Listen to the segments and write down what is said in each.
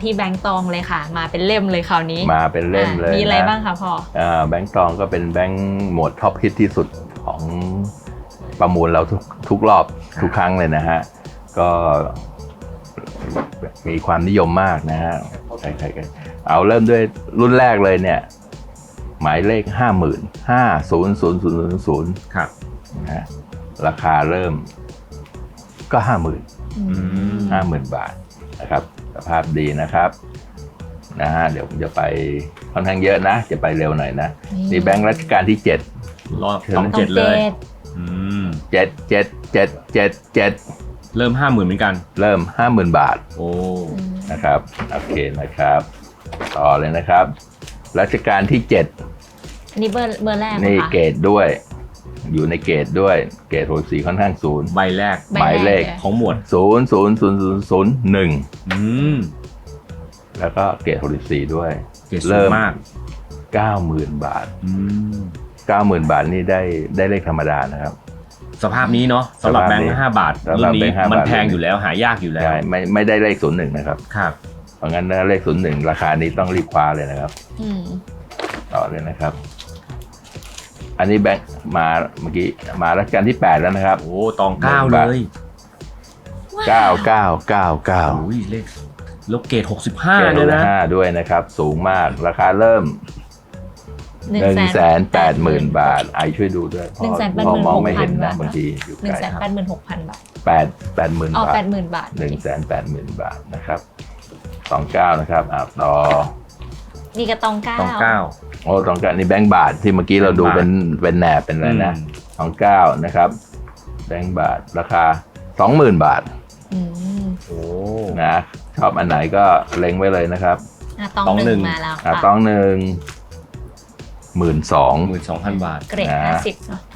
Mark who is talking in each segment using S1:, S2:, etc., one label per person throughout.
S1: ที่แบงก์ตองเลยค่ะมาเป็นเล่มเลยคราวนี้
S2: มาเป็นเล่มเลย
S1: มีอะไรบ้างคะพ่อ
S2: แบงก์ตองก็เป็นแบงก์หมวดท็อปฮิตที่สุดของประมูลเราทุกรอบทุกครั้งเลยนะฮะก็มีความนิยมมากนะฮะใครๆเอาเริ่มด้วยรุ่นแรกเลยเนี่ยหมายเลข 50,000ครับนะราคาเริ่มก็ 50,000 บาทนะครับสภาพดีนะครับนะฮะเดี๋ยวผมจะไปค่อนข้างเยอะนะจะไปเร็วหน่อยนะนี่แบงค์รัชกาลที่7
S3: รอบ27เลย
S2: 7
S3: เริ่ม 50,000เหมือนกัน
S2: เริ่ม 50,000 บาท
S3: โอ้
S2: นะครับโอเคนะครับต่อเลยนะครับรัชกาลที่7
S1: อันนี้เบอร์แรก
S2: นี่เกรดด้วยอยู่ในเกรดด้วยเกรด64ค่อนข้างสูง
S3: ใบแรก
S2: หมายเลข
S3: ของหมวด
S2: 00001แล้วก็เกรด64ด้วย
S3: เริ่มมาก
S2: 90,000 บาท90,000 บาทนี่ได้เลขธรรมดานะครับ
S3: สภาพนี้เนาะสำหรับแบงค์5 บาทรุ่นนี้มันแพงอยู่แล้วหายากอยู่แล้ว
S2: ไม่ได้เลข01นะครับ
S3: ครับ
S2: เพราะงั้นเลข01ราคานี้ต้องรีบคว้าเลยนะครับต่อเลยนะครับอันนี้แบงค์มาเมื่อกี้มารัชกาลที่8แล้วนะครับ
S3: โอ้ตอง9เลย
S2: 9999
S3: อุ้ยเลขแล้วเกรด65ด้วยนะ
S2: ด้วยนะครับสูงมากราคาเริ่ม 180,000 บาทไอช่วยดูด้วยพอมองไม่เห็นนะบางทีอยู่ไกล
S1: 186,000 บาท
S2: 80,000 บาท
S1: 80,000 บาท
S2: 180,000 บาทนะครับ29นะครับต่อ
S1: นี่ก็ตอง9
S2: โอ้ตอง9นี่แบงค์บาทที่เมื่อกี้เราดูเป็นแหนบเป็นอะไรนะ29นะครับแบงค์บาทราคา 20,000 บาท
S3: โอ้
S2: นะชอบอันไหนก็เล็งไว้เลยนะครับ
S1: ตอง1มาแล้วค่ะ
S2: ตอง1
S3: 12,000 บาท
S1: เกรด50เนาะ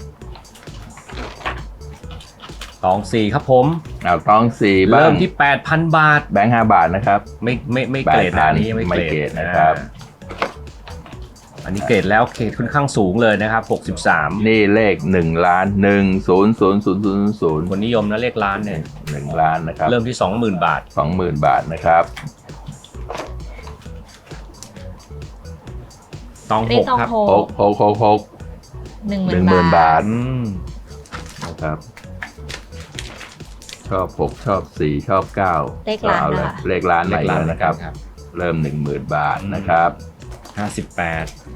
S3: ตอง4ครับผม
S2: ตอง4
S3: เริ่มที่ 8,000 บาท
S2: แบงค์5 บาทนะครับ
S3: ไม่เกรดอันนี้ไม่เกรด
S2: นะครับ
S3: อันนี้เกรดแล้วเกรดค่อนข้างสูงเลยนะครับ63
S2: นี่เลข1ล้าน100,000
S3: คนนิยมนะเลขล้านเนี่ย
S2: 1ล้านนะครับ
S3: เริ่มที่ 20,000 บาท
S2: 20,000 บาทนะครับ
S3: ตอง6ครับ
S2: 10,000 บาทนะครับชอบ6ชอบ4ชอบ9
S1: เลขล้านนะคะ
S2: เลขล้านใหม่แล้วนะครับเริ่ม 10,000 บาทนะครับ
S3: 58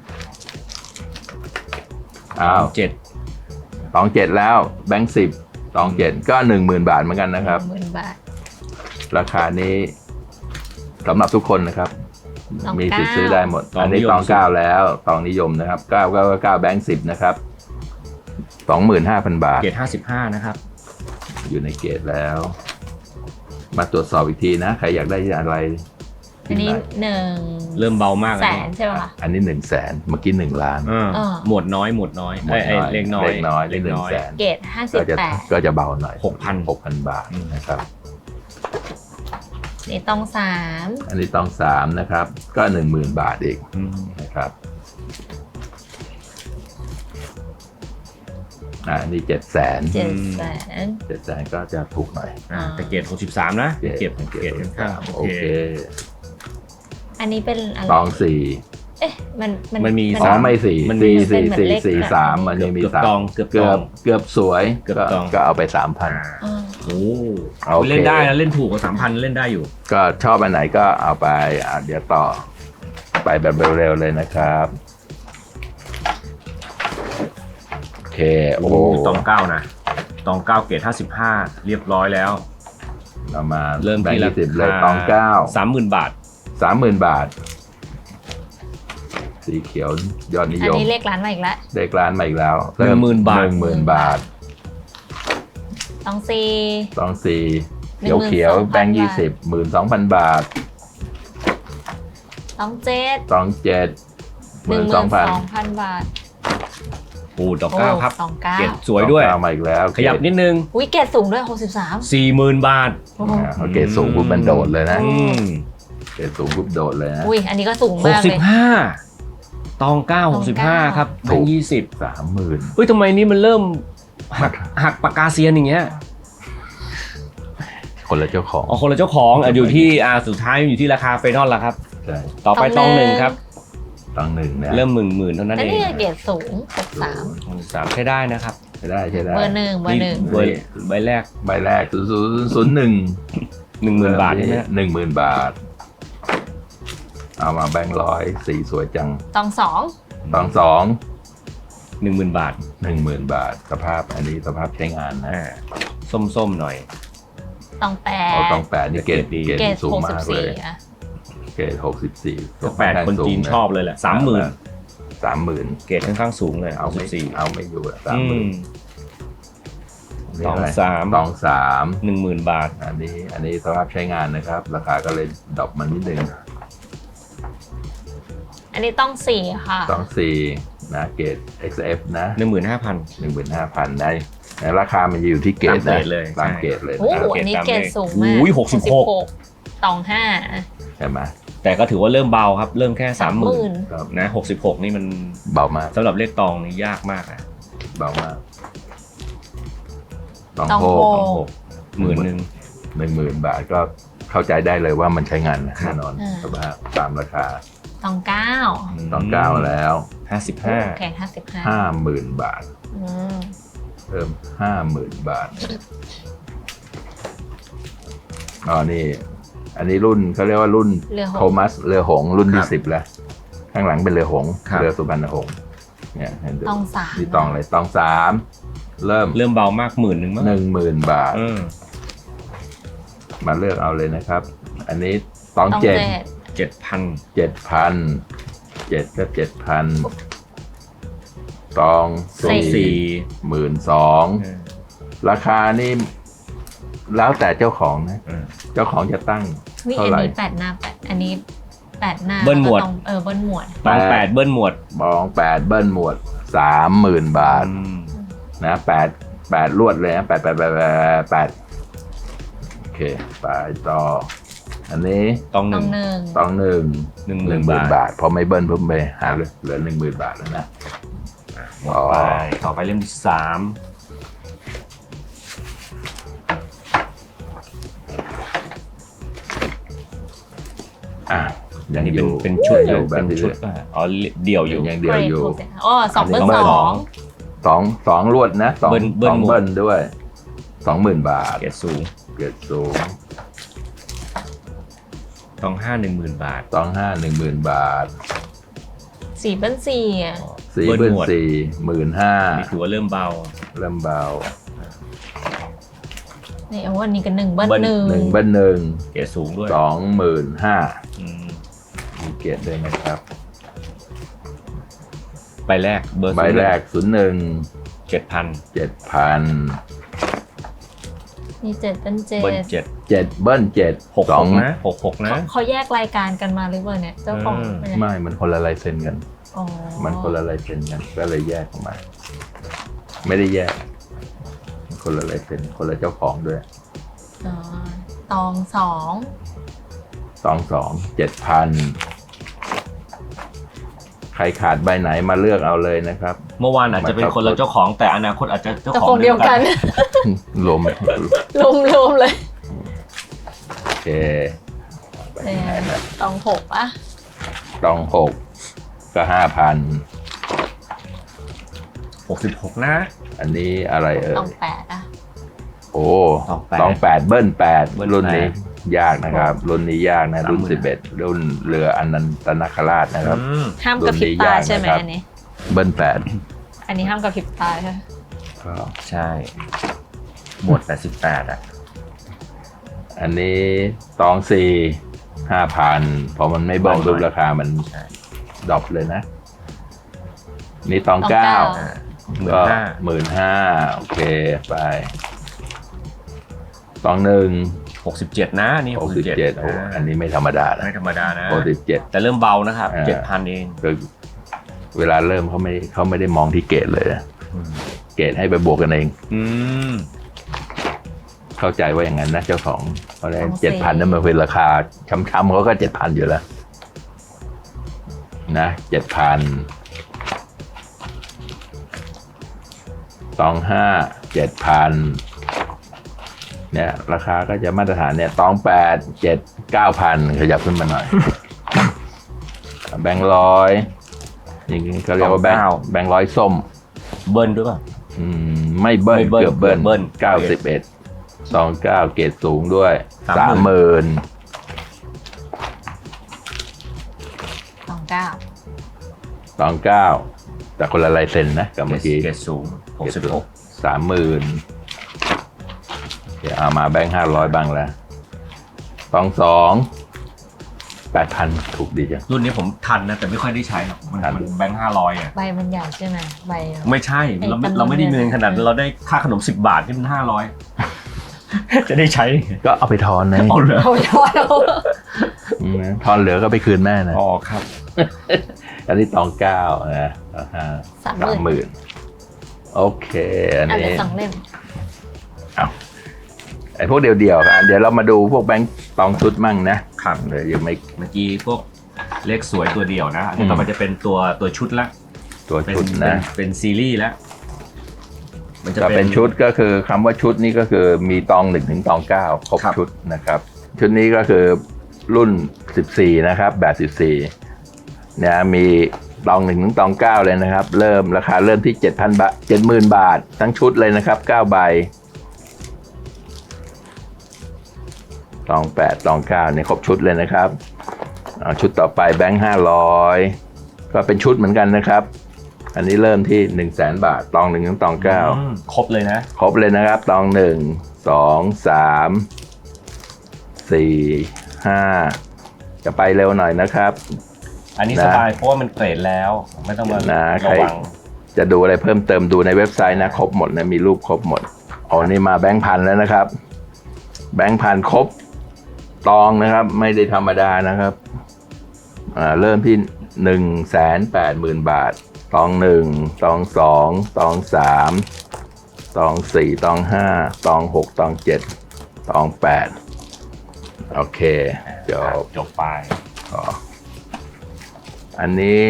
S2: ตอง7แล้วแบงค์10ตอง7ก็ 10,000 บาทเหมือนกันนะครับ
S1: 10,000 บาท
S2: ราคานี้สำหรับทุกคนนะครับมีสิทธิ์ซื้อได้หมดอันนี้ตอง9แล้วตองนิยมนะครับ999แบงค์10นะครับ 25,000 บาท
S3: เกรด55นะครับ
S2: อยู่ในเกรดแล้วมาตรวจสอบอีกทีนะใครอยากได้อะไร
S1: อันนี้
S3: เริ่มเบามาก
S1: 100,000ใช่ไหมคะ
S2: อันนี้100,000เมื่อกี้1ล้าน
S3: หมวดน้อยเลขน้อย
S2: เลข100,000
S1: เกรด58
S2: ก็จะเบาหน่อย
S3: 6,000
S2: บาทนะครับ
S1: นี่ตอง3
S2: อันนี้ตอง3นะครับก็ 10,000 บาทอีกนะครับนี่700,000ก็จะถูกหน่อย
S3: แต่เกรด63นะเก็บข้าง
S2: โอเค
S1: อันนี้เป็นอะไร
S2: ตอง
S3: มันมี
S2: ไม่4มันมี443มันมี3เกือบสวยก็เอาไป 3,000
S3: โอ้เล่นได้นะเล่นถูกกว่า 3,000 เล่นได้อยู่
S2: ก็ชอบอันไหนก็เอาไปเดี๋ยวต่อไปแบบเร็วๆเลยนะครับโอเค
S3: โอ้ตอง9นะตอง9เกรด55เรียบร้อยแล้ว
S2: เรามา
S3: เริ่มที่
S2: 10เลยตอง9
S3: 30,000 บาท
S2: 30,000 บาทสีเขียวยอดนิยม
S1: อันนี้เลขล้านมาอีกแล้ว
S2: เลขล้านมาอีกแล้ว
S3: 10,000 บาท
S2: 10,000 บาท
S1: ตอง
S2: 4เขียวแบงค์20 12,000 บาท
S1: ตอง7 12,000 บาท
S3: ปูตอง9ครับเกรดสวยด้วย
S2: มาอีกแล้ว
S3: ขยับนิดนึง
S1: เกรดสูงด้วย63
S3: 40,000 บาท
S2: เกรดสูงปุ๊บมันโดดเลยนะเกรดสูงปุ๊บโดดเลยนะ
S1: อันนี้ก็สูงมากเลย
S3: 65ตอง9 65ครับแบงค์20
S2: 30,000
S3: ทำไมนี่มันเริ่มหักปากกาเซียนอย่างเงี้ย
S2: คคนละเจ้าของ
S3: อ๋อคนละเจ้าของอยู่ที่สุดท้ายอยู่ที่ราคาเฟนอลละครับ
S2: ใช่
S3: ต่อไปตองหนึ่งครับ
S2: ตองหนึ่งนะ
S3: เริ่มหมื่นเท่านั้น
S1: แล้ว
S3: เอง
S1: นี่เกรดสูง63
S3: 3ใช้ได้นะครับ
S2: ใช่ได้ใช่ได้
S1: เบอร์หนึ่ง
S3: ใบแรก
S2: ใบแรก001
S3: 10,000 บาทใช่ไหม
S2: 10,000 บาท เอามาแบงค์ร้อยสีสวยจัง
S1: ตอง
S2: ตองสอง
S3: 10,000 บาท
S2: 10,000 บาทสภาพอันนี้สภาพใช้งานนะ
S3: ส้มๆหน่อย
S1: 2ตอง
S2: เอาตอง8นี่เกรด
S3: ดี
S1: เกรด
S2: สูงมากเลย
S1: 64อะ
S2: เกรด64
S3: แปดคนจีนชอบเลยแหละ 30,000
S2: 30,000
S3: เกรดค่อนข้างสูงเลย
S2: เอาไม่
S3: 64
S2: เอาไม่อยู่อะ
S3: อืม
S2: 30,000
S3: ตองสาม
S2: ตองสาม
S3: 10,000 บาท
S2: อันนี้สภาพใช้งานนะครับ ราคาก็เลยดรอปมานิดนึง
S1: อันนี้ต้อง4ค่ะ
S2: ตอง4นะเกรด XF นะ
S3: 15,000
S2: 15,000ได้แต่ราคามันจะอยู่ที่เกรด
S3: ตามเกร
S2: นะ
S3: ดเลย
S2: ตาม
S3: ใช่
S2: เกรดเลย
S1: โอ้
S2: นะ
S1: โหอันนี้เกรดสูงมาก
S3: อุ้ย66
S1: ตอง
S2: ใช่ไหม
S3: แต่ก็ถือว่าเริ่มเบาครับ เริ่มแค่
S1: 5 30,000
S2: ครับ
S3: นะ66นี่มัน
S2: เบามาก
S3: สำหรับเลขตองนี่ยากมากนะ
S2: เบามากตอง
S1: ตอง
S2: โฮ
S1: โฮ
S3: ตอง6
S2: 10,000 บาทก็เข้าใจได้เลยว่ามันใช้งานแน่นอน
S1: อ่า
S2: สภาพตามราคา
S1: ตอง 9
S2: ตอง9แล้ว
S1: แกรด55
S2: 50,000 บาท
S1: อืม
S2: เพิ่ม 50,000 บาทอ๋อนี่อันนี้รุ่นเขาเรียกว่ารุ่น
S1: เรือหงส์
S2: โทมัสเรือหงส์รุ่น
S3: ครั
S2: ที่
S3: บ
S2: 10แล้วข้างหลังเป็นเรือหงส์
S3: ครับ
S2: เรือสุพรรณหงส์เนี่ยเห็นดู
S1: ตอง3
S2: นี่ตองเลยตอง3เริ่ม
S3: เบามาก10,000มั้ง
S2: 10,000 บาท มาเลือกเอาเลยนะครับ อันนี้ตอง
S1: ตอง
S2: เจ็ด
S3: 7,000
S2: 7,000ก็7,000ตอง4 12,000ราคานี่แล้วแต่เจ้าของนะ เจ้าของจะตั้ง
S1: วิ
S2: เท่า
S1: อัน
S2: ไหร่
S1: นี้8 หน้า 8 อันนี้8 หน้า
S3: เบิ้ลหมวด
S1: แก็ต้องเบิ้ลหมวด
S3: ตอง8เบิ้ลหมวด
S2: บอง8เบิ้ลหมวด 30,000 บาทนะ8ลวดเลยนะ8โอเคไปต่อ อันนี้
S3: ตอง
S1: ตอง
S3: 1
S2: ตอง10,000
S3: บาท
S2: พอไม่เบิ้ลเพิ่มไปหาเหลือ 10,000 บาทแล้วนะ
S3: ต่อไปเล่มที่3
S2: ยั
S3: อั
S2: ง
S3: นนี้
S2: อยู่
S3: เป็นชุด
S2: อยู่แบ
S3: เป็
S2: บ
S3: น
S2: นี้
S3: ชุดอ๋อเดี่ยวอยู่
S2: ยัง
S1: 1
S2: เดียวอยู่
S1: อ๋อ2 เบิ้ล 2
S2: สองลวดนะสอง
S3: เบิ้ลหมวด
S2: เบิ้ลด้วย 20,000 บาท
S3: เกรดสูง
S2: เกิดสูง
S3: ตอง5 10,000 บาท
S2: ตอง10,000 บาท
S1: 4 เบิ้ล4อ่ะ
S2: 4
S3: เบิ้
S2: เบิ้
S3: ล
S2: ล
S3: หมวด
S2: 4
S3: นี่ถือว่าเริ่มเบา
S2: เริ่มเบา
S1: นี่เอาวันนี้กัน1 เบิ้ล
S3: เบิ้ล
S2: 1 เบิ้ล
S3: เกรดสูงด้วย
S2: 1 25,000
S3: อืม
S2: มีเกียรติด้วยนะครับ
S3: ใบแรกเบอร์
S2: ใบแรก
S3: 7,000
S2: 7,000
S1: นี่7 เบิ้ล
S3: เบิ้ล
S1: 7
S3: 7
S2: 7 เบิ้ล7
S3: 66นะ66นะ
S1: เขาแยกรายการกันมาหรือเปล่าเนี่ยเจ้าของเป็นไง
S2: ไม่มันคนละลายเซ็นกัน
S1: อ๋อ
S2: มันคนละลายเซ็นกันก็เลยแยกออกมา ไม่ได้แยกมันคนละลายเซ็นคนละเจ้าของด้วย
S1: อ๋อตอง
S2: 7,000 ใครขาดใบไหนมาเลือกเอาเลยนะครับ
S3: เมื่อวานอาจจะเป็นคนละเจ้าของแต่อนาคตอาจจะเจ้า
S1: 2 เจ้า
S3: ข
S1: ข
S3: อ
S1: อง งเดียวกัน
S2: รวม
S1: รวมเลย
S2: โอเคไป
S1: เนี่
S2: ไหน
S1: ย
S2: นะ
S1: ตอง6ป่ะ
S2: ตอง6ก็
S3: 66นะ
S2: 5,000 อันนี้อะไรเอ่ย
S1: ตอง8อ่ะ
S2: โอ้
S3: ตอง
S2: 8เบิ้ล
S3: เบิ้ล
S2: 8รุ่นนี้ยากนะครับ รุ่นนี้ยากนะ รุ่น
S3: 30,000
S2: 11รุ่นเรืออนันตนาคราชนะครับ
S1: ห้ามกระพริบตาใช่ไหม
S2: รุ่นนี้ยากนะครับ
S1: อันนี้
S2: เบิ้ล
S1: อันนี้ห้ามกระพริบตาใช่ไหม
S2: 8ก็
S3: ใช่หมวด88อ่ะ
S2: อันนี้ตอง5,000 พอมันไม่เบิ้ลรูปราคามัน
S3: ใช่
S2: ดรอปเลยนะ นี่ตอง 9
S3: อ่า
S2: ก็
S3: 15,000
S2: 15,000 โอเคไปตอง
S3: 67นะนี่
S2: 1
S3: 67
S2: 67โอ้อันนี้ไม่ธรรมดานะ
S3: ไม่ธรรมดานะ
S2: 67
S3: แต่เริ่มเบานะครับ
S2: อ่า
S3: 7,000 เอง
S2: คือเวลาเริ่มเขาไม่ได้มองที่เกรดเลยนะเกรดให้ไปบวกกันเอง
S3: อืม
S2: เข้าใจว่าอย่างนั้นนะเจ้าของเพราะฉะนั้น7,000นั่นมันเป็นราคาช้ำๆเขาก็ 7,000 อยู่แล้วนะ 7,000 ตอง5 7,000 เนี่ยราคาก็จะมาตรฐานเนี่ยตอง8 7 9,000ขยับขึ้นมาหน่อย แบงค์ร้อยนี่ก็เรียกว่าแบงค์ร้อยส้ม
S3: เบิ้ลด้วยป่ะ
S2: ไม่เบิ้ล
S3: ไม่เบิ้ล
S2: เกือบเบิ้ล
S3: เบิ้ล
S2: 91 29เกรดสูงด้วย
S3: 30,000
S1: 29
S2: แต่คนละลายเซ็นนะกับเมื่อกี้
S3: เกรดสูง66
S2: 30,000เดี๋ยวเอามาแบงค์500บ้างแล้วตอง8,000ถูกดีจัง
S3: รุ่นนี้ผมทันนะแต่ไม่ค่อยได้ใช้หรอกมัน
S2: ทัน
S3: แบงค์500อ่ะ
S1: ใบมันใหญ่ใช่ไหมใบ
S3: ไม่ใช่เราไม่ได้เงินขนาดนั้นเราได้ค่าขนม10 บาทที่มัน500 จะได้ใช้
S2: ก็เอาไปทอนนะ
S3: เอาเลย
S1: เอาย้อนเอา
S2: ทอนเหลือก็ไปคืนแม่นะ
S3: อ๋อครับ
S2: อันนี้ตอง9นะ30,000โอเคอัน
S1: อัน
S2: นี้
S1: ละ2 เล่ม
S2: ไอ้พวกเดียวๆกันเดี๋ยวเรามาดูพวกแบงค์ตองชุดมั่งนะครับเดี๋ยวยังไม่
S3: เมื่อกี้พวกเลขสวยตัวเดียวนะอันนี้ต่อไปจะเป็นตัวชุดละ
S2: ตัวชุดนะ
S3: เป็นซีรีส์แล้วมันจะ
S2: จะเป็นชุดก็คือคำว่าชุดนี้ก็คือมีตอง1ถึงตอง9ครบชุดนะครับชุดนี้ก็คือรุ่น14นะครับแบบ14เนี่ยมีตอง1ถึงตอง9เลยนะครับเริ่มราคาเริ่มที่ 7,000 บาท 70,000 บาททั้งชุดเลยนะครับ9ใบตอง8ตอง9เนี่ยครบชุดเลยนะครับชุดต่อไปแบงค์500ก็เป็นชุดเหมือนกันนะครับอันนี้เริ่มที่ 100,000 บาทตอง1ถึงตอง9
S3: ครบเลยนะ
S2: ครบเลยนะครับตอง1 2 3 4 5จะไปเร็วหน่อยนะครับ
S3: อันนี้สบายเพราะว่ามันเกรดแล้วไม่ต้องมา
S2: ใคร
S3: ระวัง
S2: จะดูอะไรเพิ่มเติมดูในเว็บไซต์นะครบหมดนะมีรูปครบหมดอ๋อนี่มาแบงค์พันแล้วนะครับแบงค์พันครบตองนะครับไม่ได้ธรรมดานะครับเริ่มที่ 180,000 บาทตอง1ตอง2ตอง3ตอง4ตอง5ตอง6ตอง7ตอง8โอเค
S3: จบไป
S2: อันนี้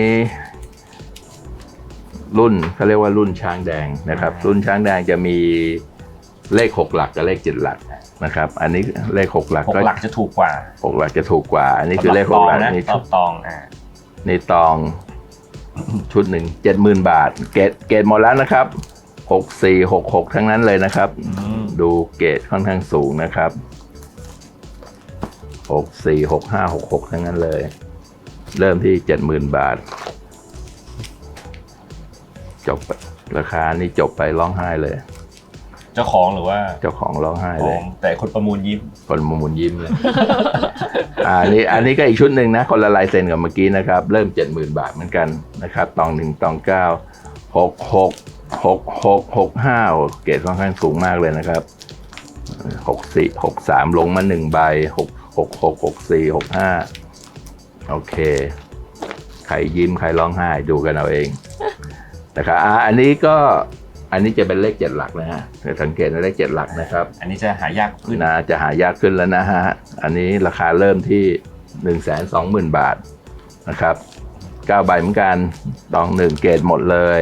S2: รุ่นเขาเรียกว่ารุ่นช้างแดงนะครับรุ่นช้างแดงจะมีเลข6หลักกับเลข7หลักนะครับอันนี้เลข6หลัก
S3: 6 หลักจะถูกกว่า
S2: 6หลักจะถูกกว่าอันนี้คือเลข6หลักนี่
S3: ตอง
S2: นี่ตองชุดหนึ่ง 70,000 บาทเกรดหมดแล้วนะครับ64 66ทั้งนั้นเลยนะครับดูเกรดค่อนข้างสูงนะครับ64 65 66ทั้งนั้นเลยเริ่มที่ 70,000 บาทจบราคานี่จบไปร้องไห้เลย
S3: เจ้าของหรือว่า
S2: เจ้าของร้องไห้เลย
S3: แต่คนประมูลยิ้ม
S2: เลย อันนี้ก็อีกชุดหนึ่งนะคนละลายเซ็นกับเมื่อกี้นะครับเริ่ม 70,000 บาทเหมือนกันนะครับตอง1ตอง9 66 66 65เกรดค่อนข้างสูงมากเลยนะครับ64 63ลงมา1ใบ66 64 65โอเคใครยิ้มใครร้องไห้ดูกันเอาเองนะครับอันนี้จะเป็นเลข7หลักนะฮะสังเกตในเลข7หลักนะครับ
S3: อันนี้จะหายากขึ้น
S2: นะจะหายากขึ้นแล้วนะฮะอันนี้ราคาเริ่มที่ 120,000 บาทนะครับ9ใบเหมือนกันตอง1เกรดหมดเลย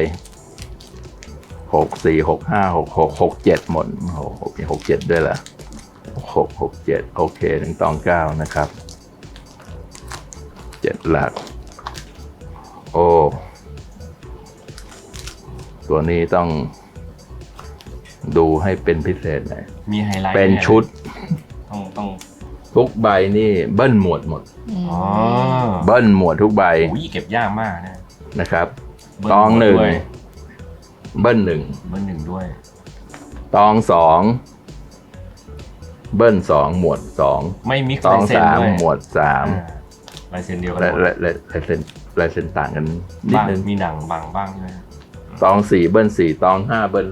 S2: 64 65 66 67หมด67ด้วยล่ะ67โอเคถึงตอง9นะครับ7หลักโอ้ตัวนี้ต้องดูให้เป็นพิเศษหน่อย
S3: มีไฮไลท์
S2: เป็นชุด
S3: ต้อง
S2: ทุกใบนี่เบิ้ลหมวดหมดเบิ้ลหมวดทุกใบ
S3: เก็บยากมาก
S2: นะครับตอง1เบิ้ล1
S3: ด้วย
S2: ตอง2เบิ้ล2หมวด2
S3: ไม่มิกซ์
S2: ตอง3หมวด3
S3: ลายเซ็นเดียวกัน
S2: ลายเซ็นต่างกันนิดนึง
S3: มีหนังบางบ้างใช่ไหม
S2: ตอง4เบิ้ล4ตอง5เบิ้ล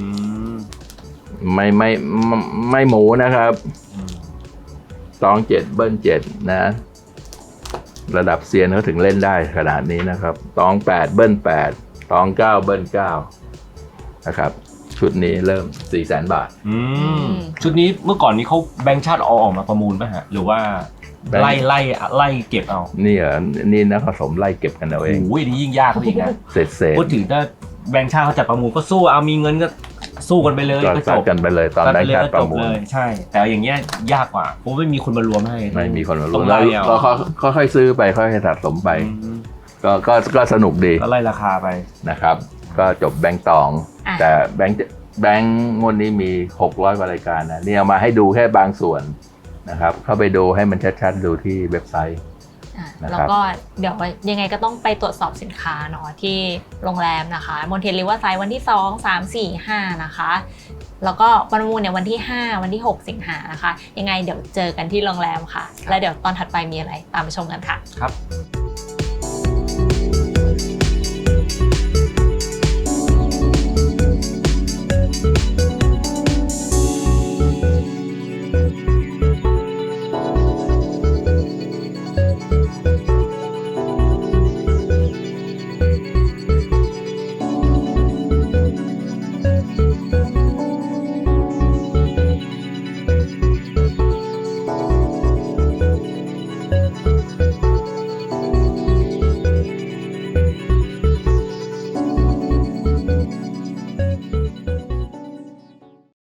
S2: 5ไม่หมูนะครับตอง7เบิ้ล7นะระดับเซียนเขาถึงเล่นได้ขนาดนี้นะครับตอง8เบิ้ล8ตอง9เบิ้ล9นะครับชุดนี้เริ่ม 400,000 บาท
S3: ชุดนี้เมื่อก่อนนี้เขาแบงค์ชาติเอาออกมาประมูลป่ะฮะหรือว่าไล่เก็บเอา
S2: นี่นะผสมไล่เก็บกันเอาเอง
S3: โอ้ยนี่ยิ่งยากอีกนะ
S2: เสร็จ
S3: พูดถึงถ้าแบงค์ชาติเขาจัดประมูลก็สู้เอามีเงินก็สู้กันไปเลย
S2: ก็
S3: ก็จ
S2: ซัด
S3: บ
S2: กันไปเลยตอนแบงค์ชาติประมูล
S3: เลยใช่ แต่อย่างเงี้ยยากกว่าเพราะไม่มีคนมารวมให้
S2: ไม่มีคนมา
S3: ต้
S2: รู้
S3: อง
S2: แล้ว
S3: ไล่เอา
S2: ก็ค่อยๆซื้อไปค่อยๆสะสมไป
S3: อืม
S2: ก็สนุกดี
S3: ก็ไล่ราคาไป
S2: นะครับ ก็จบแบงค์ตอง
S1: อ่ะ
S2: แต่แบงค์งวดนี้มี600กว่ารายการนะนี่เอามาให้ดูแค่บางส่วนนะครับเข้าไปดูให้มันชัดๆดูที่เว็บไซต์ นะครับ
S1: แล้วก็เดี๋ยวยังไงก็ต้องไปตรวจสอบสินค้าเนาะที่โรงแรมนะคะมอนเทนริเวอร์ไซด์วันที่ 2 3 4 5 นะคะ แล้วก็วันประมูลเนี่ยวันที่ 5 วันที่ 6 สิงหานะคะ ยังไงเดี๋ยวเจอกันที่โรงแรมค่ะ แล้วเดี๋ยวตอนถัดไปมีอะไรตามไปชมกันค่ะ
S3: ครับ